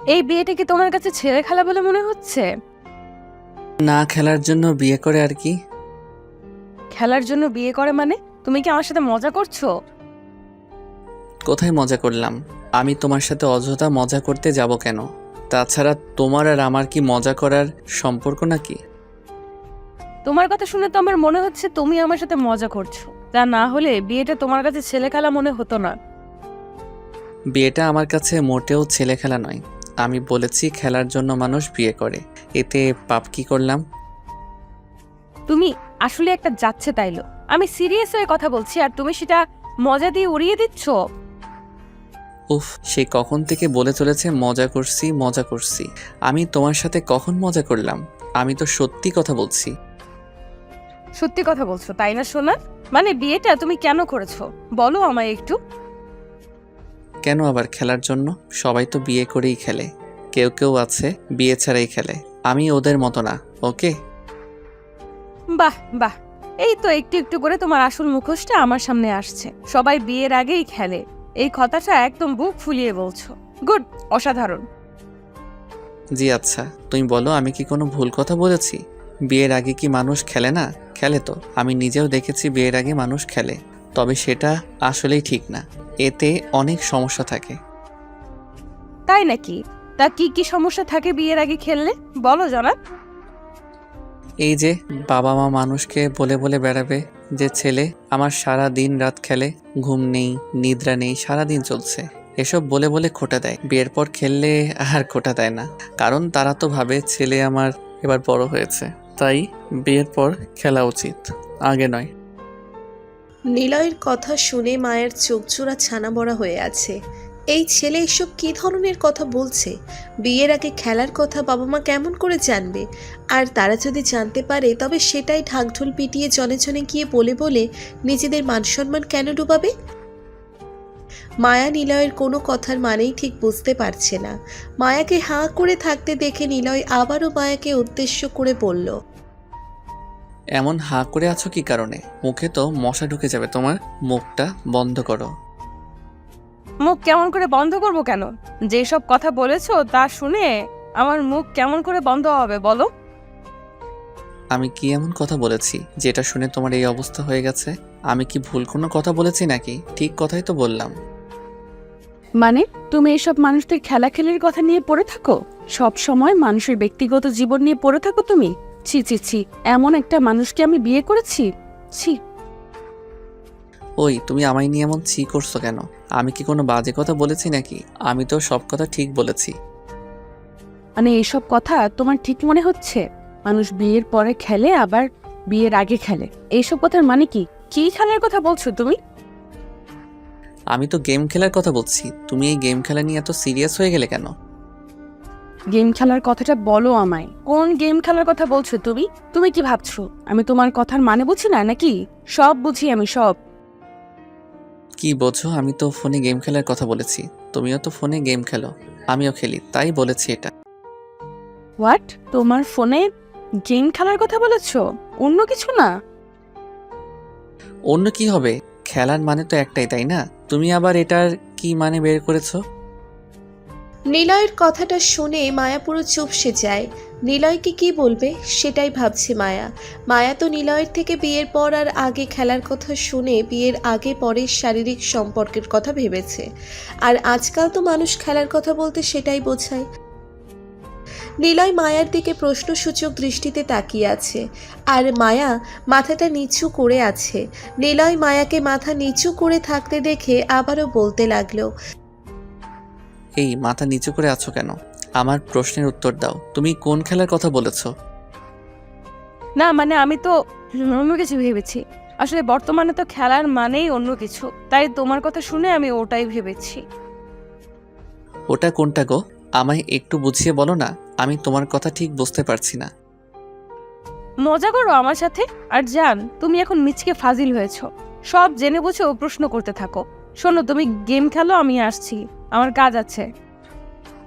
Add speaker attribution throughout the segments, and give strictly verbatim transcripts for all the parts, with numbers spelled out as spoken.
Speaker 1: এই বিয়েটা কি তোমার কাছে ছেলে খেলা বলে মনে হচ্ছে?
Speaker 2: না খেলার জন্য বিয়ে করে আর কি।
Speaker 1: খেলার জন্য বিয়ে করে মানে? তুমি কি আমার সাথে মজা করছো?
Speaker 2: কোথায় মজা করলাম? আমি তোমার সাথে অযথা মজা করতে যাব কেন? তাছাড়া তোমার আর আমার কি মজা করার সম্পর্ক নাকি?
Speaker 1: তোমার কথা শুনে তো আমার মনে হচ্ছে তুমি আমার সাথে মজা করছো। তা না হলে বিয়েটা তোমার কাছে ছেলে খেলা মনে হতো না।
Speaker 2: বিয়েটা আমার কাছে মোটেও ছেলে খেলা নয়। আমি বলেছি খেলার জন্য মানুষ বিয়ে করে, এতে পাপ কি করলাম?
Speaker 1: তুমি আসলে একটা যাচ্ছে তাইলো। আমি সিরিয়াস হয়ে কথা বলছি আর তুমি সেটা মজা দিয়ে উড়িয়ে দিচ্ছ।
Speaker 2: উফ, সে কখন থেকে বলে চলেছে মজা করছি মজা করছি। আমি তোমার সাথে কখন মজা করলাম? আমি তো সত্যি কথা বলছি।
Speaker 1: সত্যি কথা বলছো তাই না সোনা? মানে বিয়েটা তুমি কেন করেছো বলো আমায় একটু।
Speaker 2: কেন আবার খেলার জন্য? সবাই তো বিয়ে করেই খেলে, কেউ কেউ আছে বিয়ে ছাড়াই খেলে। আমি ওদের মতো না, ওকে?
Speaker 1: বাহ বাহ, এই তো একটু একটু করে তোমার আসল মুখোশটা আমার সামনে আসছে। সবাই বিয়ের আগেই খেলে, এই কথাটা একদম বুক ফুলিয়ে বলছো। গুড, অসাধারণ।
Speaker 2: জি আচ্ছা, তুমি বলো আমি কি কোনো ভুল কথা বলেছি? বিয়ের আগে কি মানুষ খেলে না? খেলে তো, আমি নিজেও দেখেছি বিয়ের আগে মানুষ খেলে। তবে সেটা আসলেই ঠিক না, এতে অনেক সমস্যা থাকে।
Speaker 1: তাই নাকি? তা কি কি সমস্যা থাকে বিয়ের আগে খেললে বলো জনাব।
Speaker 2: এই যে বাবা মা মানুষকে বলে বলে বেড়াবে যে ছেলে আমার সারা দিন রাত খেলে, ঘুম নেই নিদ্রা নেই, সারা দিন চলছে, এসব বলে বলে খোটা দেয়। বিয়ের পর খেললে আর খোটা দেয় না, কারণ তারা তো ভাবে ছেলে আমার এবার বড় হয়েছে, তাই বিয়ের পর খেলা উচিত, আগে নয়।
Speaker 3: নিলয়ের কথা শুনে মায়ের চোখ জোড়া ছানা বড়া হয়ে আছে। এই ছেলে এসব কী ধরনের কথা বলছে? বিয়ের আগে খেলার কথা বাবা মা কেমন করে জানবে? আর তারা যদি জানতে পারে তবে সেটাই ঢাকঢোল পিটিয়ে জনে জনে গিয়ে বলে বলে নিজেদের মান সম্মান কেন ডুবাবে? মায়া নিলয়ের কোনো কথার মানেই ঠিক বুঝতে পারছে না। মায়াকে হাঁ করে থাকতে দেখে নিলয় আবারও মায়াকে উদ্দেশ্য করে বলল,
Speaker 2: এমন হাঁ করে আছো কি কারণে? মুখে তো মশা ঢুকে যাবে তোমার, মুখটা বন্ধ করো।
Speaker 1: মুখ কেমন করে বন্ধ করবো কেন? যেসব কথা বলেছো তা শুনে আমার মুখ কেমন করে বন্ধ হবে বলো?
Speaker 2: আমি কি এমন কথা বলেছি যেটা শুনে তোমার এই অবস্থা হয়ে গেছে? আমি কি ভুল কোনো কথা বলেছি নাকি? ঠিক কথাই তো বললাম।
Speaker 1: মানে তুমি এসব মানুষদের খেলাখেলির কথা নিয়ে পড়ে থাকো? সব সময় মানুষের ব্যক্তিগত জীবন নিয়ে পড়ে থাকো তুমি? ছি ছি ছি, এমন একটা মানুষকে আমি বিয়ে করেছি? ছি।
Speaker 2: ওই তুমি আমায় নিয়ে এমন ছি করছো কেন? আমি কি কোনো বাজে কথা বলেছি নাকি? আমি তো সব কথা ঠিক বলেছি।
Speaker 1: মানে এইসব কথা তোমার ঠিক মনে হচ্ছে? মানুষ বিয়ের পরে খেলে আবার বিয়ের আগে খেলে, এইসব কথার মানে কি? কি খেলার কথা বলছো তুমি?
Speaker 2: আমি তো গেম খেলার কথা বলছি। তুমি এই গেম খেলা নিয়ে এত সিরিয়াস হয়ে গেলে কেন?
Speaker 1: গেম খেলার কথাটা বলো আমায়, কোন গেম খেলার কথা বলছো তুমি? তুমি কি ভাবছো আমি তোমার কথার মানে বুঝি না নাকি? সব বুঝি আমি, সব।
Speaker 2: কি বোঝো? আমি তো ফোনে গেম খেলার কথা বলেছি। তুমিও তো ফোনে গেম খেলো, আমিও খেলি, তাই বলেছি এটা।
Speaker 1: হোয়াট? তোমার ফোনে গেম খেলার কথা বলেছো, অন্য কিছু না?
Speaker 2: অন্য কি হবে? খেলার মানে তো একটাই, তাই না? তুমি আবার এটার কি মানে বের করেছো?
Speaker 3: নিলয়ের কথাটা শুনে মায়া পুরো চুপসে যায়। নিলয়কে কি বলবে সেটাই ভাবছে মায়া। মায়া তো নিলয়ের থেকে বিয়ের পর আর আগে খেলার কথা শুনে বিয়ের আগে পরের শারীরিক সম্পর্কের কথা ভেবেছে। আর আজকাল তো মানুষ খেলার কথা বলতে সেটাই বোঝায়। নিলয় মায়ার দিকে প্রশ্নসূচক দৃষ্টিতে তাকিয়ে আছে, আর মায়া মাথাটা নিচু করে আছে। নিলয় মায়াকে মাথা নিচু করে থাকতে দেখে আবারও বলতে লাগলো,
Speaker 2: এই মাথা নিচু করে আছো কেন? আমার প্রশ্নের উত্তর দাও। তুমি কোন খেলার কথা বলেছো?
Speaker 1: না মানে আমি তো অন্য কিছু ভেবেছি। আসলে বর্তমানে তো খেলার মানেই অন্য কিছু, তাই তোমার কথা শুনে আমি ওটাই ভেবেছি।
Speaker 2: ওটা কোনটা গো? আমায় একটু বুঝিয়ে বলো না, আমি তোমার কথা ঠিক বুঝতে পারছি না।
Speaker 1: মজা করো আমার সাথে। আর জান, তুমি এখন মিচকে ফাজিল হয়েছো। সব জেনে বুঝে ও প্রশ্ন করতে থাকো। শোনো, তুমি গেম খেলো, আমি আসছি, আমার কাজ আছে।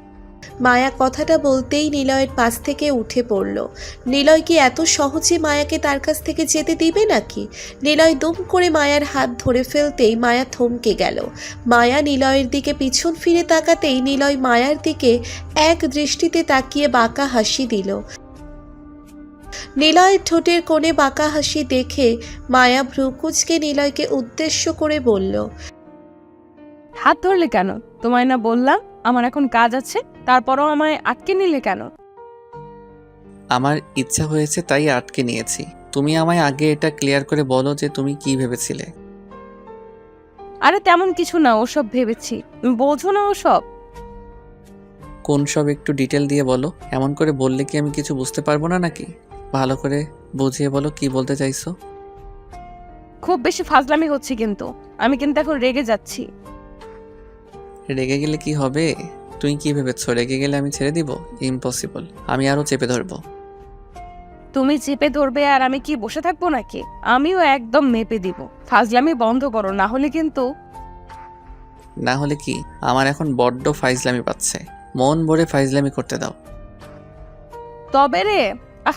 Speaker 3: মায়া কথাটা বলতেই নিলয়ের পাশ থেকে উঠে পড়ল। নিলয় কি এত সহজে মায়াকে তার কাছ থেকে যেতে দিবে নাকি? নিলয় দুম করে মায়ার হাত ধরে ফেলতেই মায়া থমকে গেল। মায়া নিলয়ের দিকে পিছন ফিরে তাকাতেই নিলয় মায়ার দিকে এক দৃষ্টিতে তাকিয়ে বাঁকা হাসি দিল। নিলয়ের ঠোঁটের কোণে বাঁকা হাসি দেখে মায়া ভ্রুকুচকে নিলয়কে উদ্দেশ্য করে বলল,
Speaker 1: হাত ধরলে কেন? তোমায় না বললাম আমার এখন কাজ আছে, তারপরও আমায় আটকে নিলে কেন?
Speaker 2: আমার ইচ্ছা হয়েছে তাই আটকে নিয়েছি। তুমি আমায় আগে এটা ক্লিয়ার করে বলো যে তুমি কি ভেবেছিলে।
Speaker 1: আরে তেমন কিছু না, ওসব ভেবেছি। তুমি বোঝো না ওসব?
Speaker 2: কোন সব একটু ডিটেল দিয়ে বলো। এমন করে বললে কি আমি কিছু বুঝতে পারবো না নাকি? ভালো করে বুঝিয়ে বলো কি বলতে চাইছো।
Speaker 1: খুব বেশি ফাজলামি হচ্ছে কিন্তু। আমি কিন্তু এখন রেগে যাচ্ছি।
Speaker 2: রেগে গেলে কি হবে? তুই কি ভেবেছো রেগে গেলে আমি ছেড়ে দিব? ইম্পসিবল। আমি আরো চেপে ধরবো।
Speaker 1: তুমি চেপে ধরবে আর আমি কি বসে থাকবো নাকি? আমিও একদম মেপে দিব। ফাজলামি বন্ধ করো, না হলে কিন্তু।
Speaker 2: না হলে কি? আমার এখন বড্ড ফাইজলামি পাচ্ছে। মন ভরে ফাইজলামি করতে দাও।
Speaker 1: তবে রে, আহ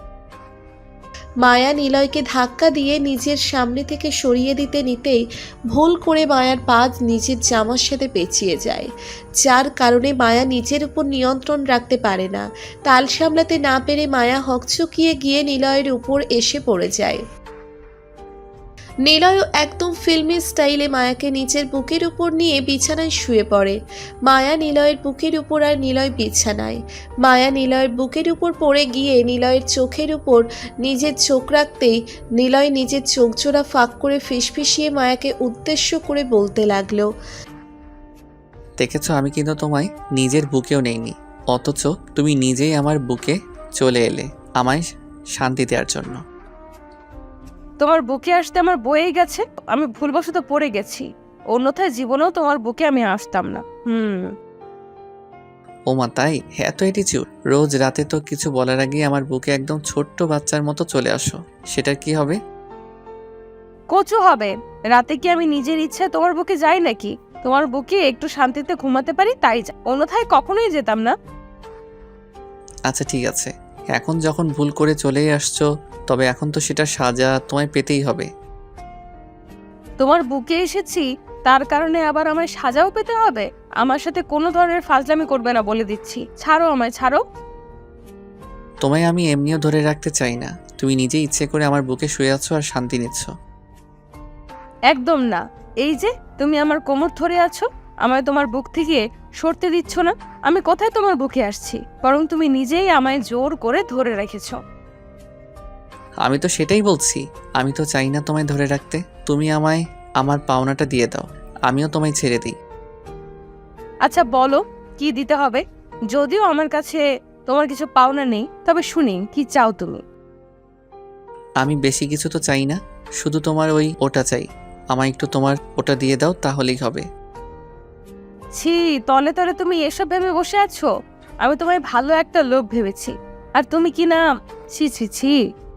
Speaker 3: মায়া নিলয়কে ধাক্কা দিয়ে নিজের সামনে থেকে সরিয়ে দিতে নিতেই ভুল করে মায়ার পা নিজের জামার সাথে পেঁচিয়ে যায়, যার কারণে মায়া নিজের উপর নিয়ন্ত্রণ রাখতে পারে না। তাল সামলাতে না পেরে মায়া হকচকিয়ে গিয়ে নিলয়ের উপর এসে পড়ে যায়। নিলয়ও একদম ফিল্মি স্টাইলে মায়াকে নিচের বুকের উপর নিয়ে বিছানায় শুয়ে পড়ে। মায়া নিলয়ের বুকের উপর আর নিলয় বিছানায়। মায়া নিলয়ের বুকের উপর পড়ে গিয়ে নিলয়ের চোখের উপর নিজের চোখ রাখতেই নিলয় নিজের চোখ জোড়া ফাঁক করে ফিসফিসিয়ে মায়াকে উদ্দেশ্য করে বলতে লাগলো,
Speaker 2: দেখেছো আমি কিন্তু তোমায় নিজের বুকেও নেইনি, অথচ তুমি নিজেই আমার বুকে চলে এলে আমায় শান্তি দেওয়ার জন্য।
Speaker 1: তোমার বুকে আসতে আমার বয়েই গেছে। আমি ভুলবশত পড়ে গেছি, অন্যথায় জীবনেও তোমার বুকে আমি আসতাম না। হুম
Speaker 2: ওমা তাই? এত অ্যাটিচিউড। রোজ রাতে তো কিছু বলার আগেই আমার বুকে একদম ছোট্ট বাচ্চার মতো চলে আসো। সেটার কি হবে?
Speaker 1: কচু হবে। রাতে কি আমি নিজের ইচ্ছায় তোমার বুকে যাই নাকি? তোমার বুকে একটু শান্তিতে ঘুমাতে পারি তাই যাই, অন্যথায় কখনোই যেতাম না।
Speaker 2: আচ্ছা ঠিক আছে, এখন যখন ভুল করে চলেই আসছো, তবে এখন তো সেটা সাজা তোমায় পেতেই হবে।
Speaker 1: তোমার বুকে এসেছি, তার কারণে আবার আমায় সাজাও পেতে হবে? আমার সাথে কোনো ধরনের ফাজলামি করবে না বলে দিচ্ছি। ছাড়ো আমায়, ছাড়ো।
Speaker 2: তোমায় আমি এমনিও ধরে রাখতে চাই না। তুমি নিজে ইচ্ছে করে আমার বুকে শুয়ে আছো আর শান্তি নিচ্ছ।
Speaker 1: একদম না। এই যে তুমি আমার কোমর ধরে আছো, আমায় তোমার বুক থেকে সরতে দিচ্ছ না। আমি কোথায় তোমার বুকে আসছি, বরং তুমি নিজেই আমায় জোর করে ধরে রেখেছ।
Speaker 2: আমি তো সেটাই বলছি। আমি তো চাই না তোমায় ধরে রাখতে। তুমি আমায় আমার পাওনাটা দিয়ে দাও, আমিও তোমায় ছেড়ে দিই।
Speaker 1: আচ্ছা বলো কি দিতে হবে? যদিও আমার কাছে তোমার কিছু পাওনা নেই, তবে শুনি কি চাও তুমি।
Speaker 2: আমি বেশি কিছু তো চাই না, শুধু তোমার ওই ওটা চাই। আমায় একটু তোমার ওটা দিয়ে দাও, তাহলেই হবে।
Speaker 1: ছি, তলে তলে তুমি এসব ভেবে বসে আছো? আমি তোমায় ভালো একটা লোক ভেবেছি, আর তুমি কি না। ছি ছি ছি।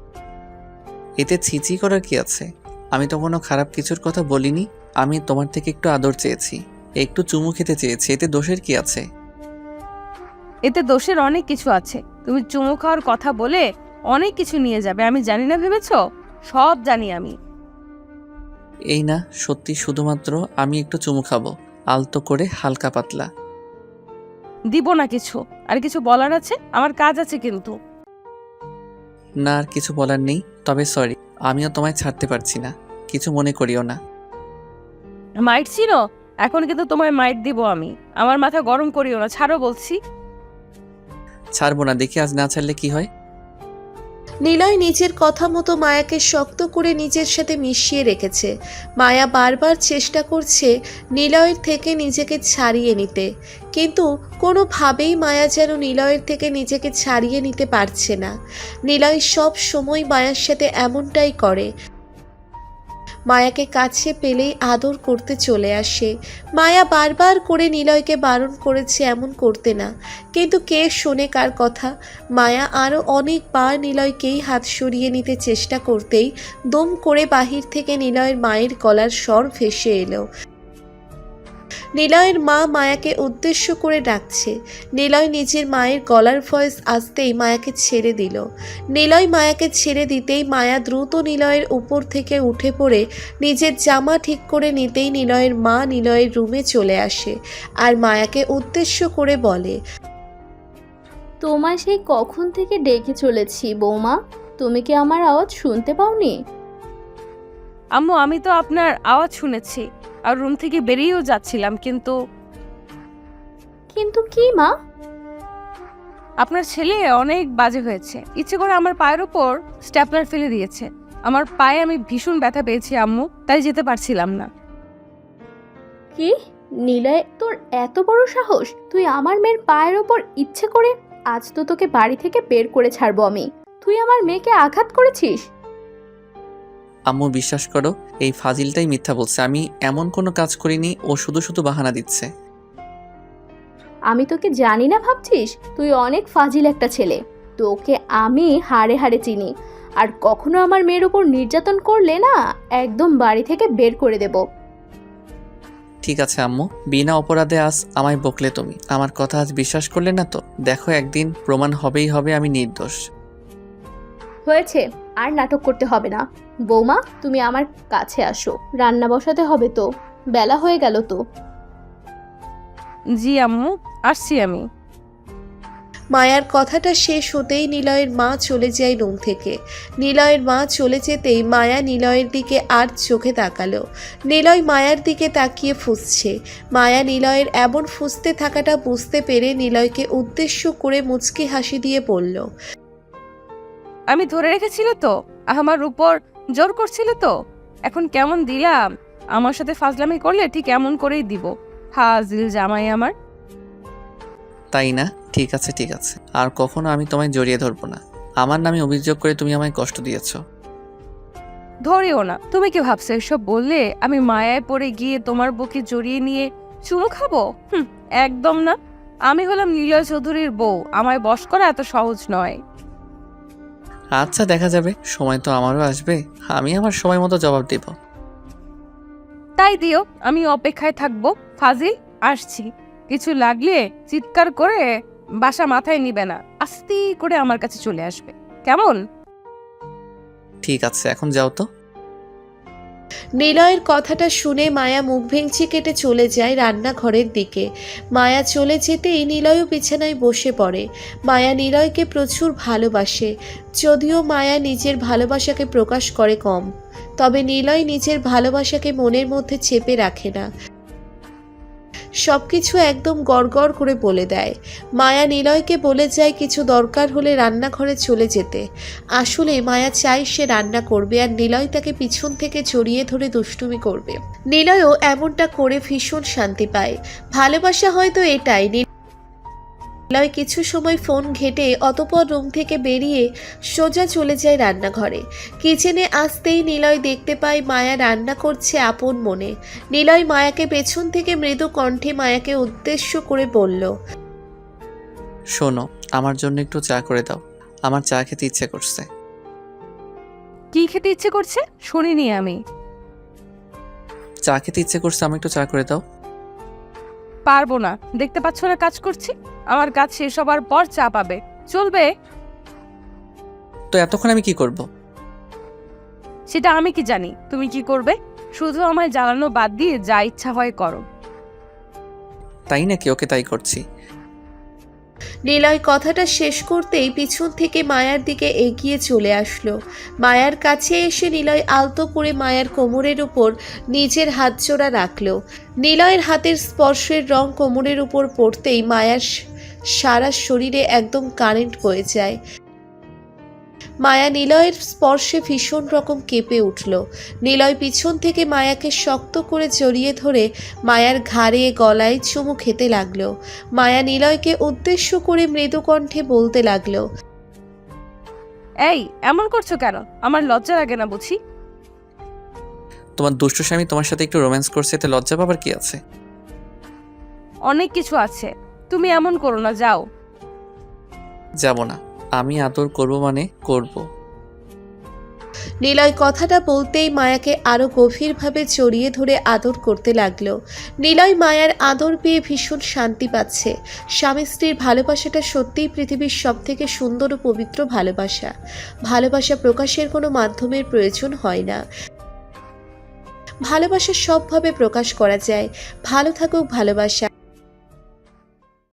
Speaker 2: এতে ছিচি করার কি আছে? আমি তো কোনো খারাপ কিছুর কথা বলিনি। আমি তোমার থেকে একটু আদর চেয়েছি, একটু চুমু খেতে চেয়েছি। এতে দোষের কি আছে?
Speaker 1: এতে দোষের অনেক কিছু আছে। তুমি চুমু খাওয়ার কথা বলে অনেক কিছু নিয়ে যাবে, আমি জানি না ভেবেছো? সব জানি আমি।
Speaker 2: এই না, সত্যি শুধুমাত্র আমি একটু চুমু খাবো, আলতো করে, হালকা পাতলা।
Speaker 1: দিব না কিছু। আর কিছু বলার আছে? আমার কাজ আছে কিন্তু।
Speaker 2: না আর কিছু বলার নেই, তবে সরি, আমিও তোমায় ছাড়তে পারছি না, কিছু মনে করিও না।
Speaker 1: মাইট ছিল, এখন কিন্তু তোমায় মাইট দিব আমি। আমার মাথা গরম করিও না, ছাড়ো বলছি।
Speaker 2: ছাড়বো না, দেখি আজ না ছাড়লে কি হয়।
Speaker 3: নিলয় নিজের কথা মতো মায়াকে শক্ত করে নিজের সাথে মিশিয়ে রেখেছে। মায়া বারবার চেষ্টা করছে নিলয়ের থেকে নিজেকে ছাড়িয়ে নিতে, কিন্তু কোনোভাবেই মায়া যেন নিলয়ের থেকে নিজেকে ছাড়িয়ে নিতে পারছে না। নিলয় সব সময় মায়ার সাথে এমনটাই করে। মায়াকে কাছে পেলেই আদর করতে চলে আসে। মায়া বারবার করে নিলয়কে বারণ করেছে এমন করতে না, কিন্তু কে শোনে কার কথা। মায়া আরও অনেকবার নিলয়কেই হাত সরিয়ে নিতে চেষ্টা করতেই দম করে বাহির থেকে নিলয়ের মায়ের গলার স্বর ভেসে এলো। নিলয়ের মা মায়াকে উদ্দেশ্য করে ডাকছে। নিলয় নিজের মায়ের গলার ভয়েস আসতেই মায়াকে ছেড়ে দিল। নিলয় মায়াকে ছেড়ে দিতেই মায়া দ্রুত নিলয়ের উপর থেকে উঠে পড়ে নিজের জামা ঠিক করে নিতেই নিলয়ের মা নিলয়ের রুমে চলে আসে আর মায়াকে উদ্দেশ্য করে বলে,
Speaker 4: তোমায় সেই কখন থেকে ডেকে চলেছি বৌমা, তুমি কি আমার আওয়াজ শুনতে পাওনি?
Speaker 1: আম্মু, আমি তো আপনার আওয়াজ শুনেছি আর রুম থেকে বেরিয়েও যাচ্ছিলাম, কিন্তু
Speaker 4: কিন্তু কি মা?
Speaker 1: আপনার ছেলে অনেক বাজে হয়েছে। ইচ্ছে করে আমার পায়ের উপর স্ট্যাপলার ফেলে দিয়েছে। আমার পায়ে আমি ভীষণ ব্যথা পেয়েছি আম্মু, তাই যেতে পারছিলাম না।
Speaker 4: কি? নিলয়, তোর এত বড় সাহস? তুই আমার মেয়ের পায়ের ওপর ইচ্ছে করে? আজ তো তোকে বাড়ি থেকে বের করে ছাড়বো আমি। তুই আমার মেয়েকে আঘাত করেছিস?
Speaker 2: আম্মু বিশ্বাস করো, এই ফাজিলটাই মিথ্যা বলছে। আমি এমন কোনো কাজ করিনি, ও শুধু শুধু বাহানা দিচ্ছে।
Speaker 4: আমি তোকে জানি না ভাবছিস? তুই অনেক ফাজিল একটা ছেলে। তোকে আমি হাড়ে হাড়ে চিনি। আর কখনো আমার মেয়ের উপর নির্যাতন করলে না, একদম বাড়ি থেকে বের করে দেব।
Speaker 2: ঠিক আছে আম্মু, বিনা অপরাধে আজ আমায় বকলে তুমি। আমার কথা আজ বিশ্বাস করলে না তো? দেখো, একদিন প্রমাণ হবেই হবে আমি নির্দোষ।
Speaker 4: হয়েছে, আর নাটক করতে হবে না। বৌমা, তুমি আমার কাছে আসো, রান্না বসাতে হবে তো, বেলা হয়ে গেল তো।
Speaker 1: জি আম্মু, আসছি আমি।
Speaker 3: মায়ার কথাটা শেষ হতেই নিলয়ের মা চলে যায় রুম থেকে। নিলয়ের মা চলে যেতেই মায়া নিলয়ের দিকে আর চোখে তাকালো। নিলয় মায়ার দিকে তাকিয়ে ফুঁসছে। মায়া নিলয়ের এমন ফুঁসতে থাকাটা বুঝতে পেরে নিলয়কে উদ্দেশ্য করে মুচকি হাসি দিয়ে বলল,
Speaker 1: আমি ধরে রেখেছিল তো, আমার উপর জোর করছিল তো। এখন কেমন দিলাম? আমার সাথে ফাজলামি করলে ঠিক এমন করেই দিব। ফাজিল জামাই আমার।
Speaker 2: তাই না? ঠিক আছে ঠিক আছে, আর কখনো আমি তোমায় জড়িয়ে ধরবো না। আমার নামে অভিযোগ করে তুমি আমায় কষ্ট দিয়েছো।
Speaker 1: ধরেও না। তুমি কি ভাবছো এসব বললে আমি মায়ায় পড়ে গিয়ে তোমার বুকে জড়িয়ে নিয়ে চুমু খাবো? হুম, একদম না। আমি হলাম নীলয় চৌধুরীর বউ, আমায় বশ করা এত সহজ নয়।
Speaker 2: আচ্ছা, দেখা যাবে, সময় তো আমারও আসবে। আমি আমার সময় মতো জবাব দেব।
Speaker 1: তাই দিও, আমি অপেক্ষায় থাকবো। ফাজিল, আসছি। কিছু লাগলে চিৎকার করে বাসা মাথায় নিবে না, আস্তে করে আমার কাছে চলে আসবে, কেমন?
Speaker 2: ঠিক আছে, এখন যাও তো।
Speaker 3: নিলয়ের কথাটা শুনে মায়া মুখ ভেঙচি কেটে চলে যায় রান্নাঘরের দিকে। মায়া চলে যেতেই নিলয়ও বিছানায় বসে পড়ে। মায়া নিলয়কে প্রচুর ভালোবাসে, যদিও মায়া নিজের ভালোবাসাকে প্রকাশ করে কম। তবে নিলয় নিজের ভালোবাসাকে মনের মধ্যে চেপে রাখে না, সবকিছু একদম গড়গড় করে বলে দেয়। মায়া নিলয়কে বলে যায় কিছু দরকার হলে রান্নাঘরে চলে যেতে। আসলে মায়া চায় সে রান্না করবে আর নিলয় তাকে পিছন থেকে জড়িয়ে ধরে দুষ্টুমি করবে। নিলয়ও এমনটা করে ভীষণ শান্তি পায়। ভালোবাসা হয়তো এটাই। নিলয় কিছু সময় ফোন ঘেঁটে অতঃপর রুম থেকে বেরিয়ে সোজা চলে যায় রান্নাঘরে। কিচেনে আসতেই নিলয় দেখতে পায় মায়া রান্না করছে আপন মনে। নিলয় মায়াকে পেছন থেকে মৃদু কণ্ঠে মায়াকে উদ্দেশ্য করে বলল,
Speaker 2: শোনো, আমার জন্য একটু চা করে দাও। আমার চা খেতে ইচ্ছে করছে।
Speaker 1: কি খেতে ইচ্ছে করছে শুনিনি আমি।
Speaker 2: চা খেতে ইচ্ছে করছে, আমি একটু চা করে দাও।
Speaker 1: পারবো না, দেখতে পাচ্ছ না কাজ করছি। আমার কাজ শেষ হবার পর চা পাবে, চলবে?
Speaker 2: তো এতক্ষণ আমি কি করব?
Speaker 1: সেটা আমি কি জানি তুমি কি করবে? শুধু আমায় জ্বালানো বাদ দিয়ে যা ইচ্ছা হয় করো।
Speaker 2: তাই নাকি? ওকে, তাই করছি।
Speaker 3: নিলয় কথাটা শেষ করতেই পিছন থেকে মায়ার দিকে এগিয়ে চলে আসলো। মায়ার কাছে এসে নিলয় আলতো করে মায়ার কোমরের উপর নিজের হাত জোড়া রাখলো। নিলয়ের হাতের স্পর্শের রং কোমরের উপর পড়তেই মায়ার সারা শরীরে একদম কারেন্ট বয়ে যায়। মায়া নিলয়ের স্পর্শে ভীষণ রকম কেঁপে উঠল। নিলয় পিছন থেকে মায়াকে শক্ত করে জড়িয়ে ধরে মায়ার ঘাড়ে গলায় চুমু খেতে লাগলো। মায়া নিলয়কে উদ্দেশ্য করে মৃদু কণ্ঠে বলতে লাগলো,
Speaker 1: এই এমন করছো কেন? আমার লজ্জা লাগে না বুঝি?
Speaker 2: তোমার দুষ্ট স্বামী তোমার সাথে একটু রোম্যান্স করছে, এতে লজ্জা পাবার কি আছে?
Speaker 1: অনেক কিছু আছে, তুমি এমন করো না, যাও।
Speaker 2: যাব না। আমি আদর করব মানে করব।
Speaker 3: নিলয় কথাটা বলতেই মায়াকে আরও গভীরভাবে জড়িয়ে ধরে আদর করতে লাগলো। নিলয় মায়ার আদর পেয়ে ভীষণ শান্তি পাচ্ছে। স্বামী স্ত্রীর ভালোবাসাটা সত্যিই পৃথিবীর সবথেকে সুন্দর ও পবিত্র ভালোবাসা। ভালোবাসা প্রকাশের কোনো মাধ্যমের প্রয়োজন হয় না। ভালোবাসা সবভাবে প্রকাশ করা যায়। ভালো থাকুক ভালোবাসা।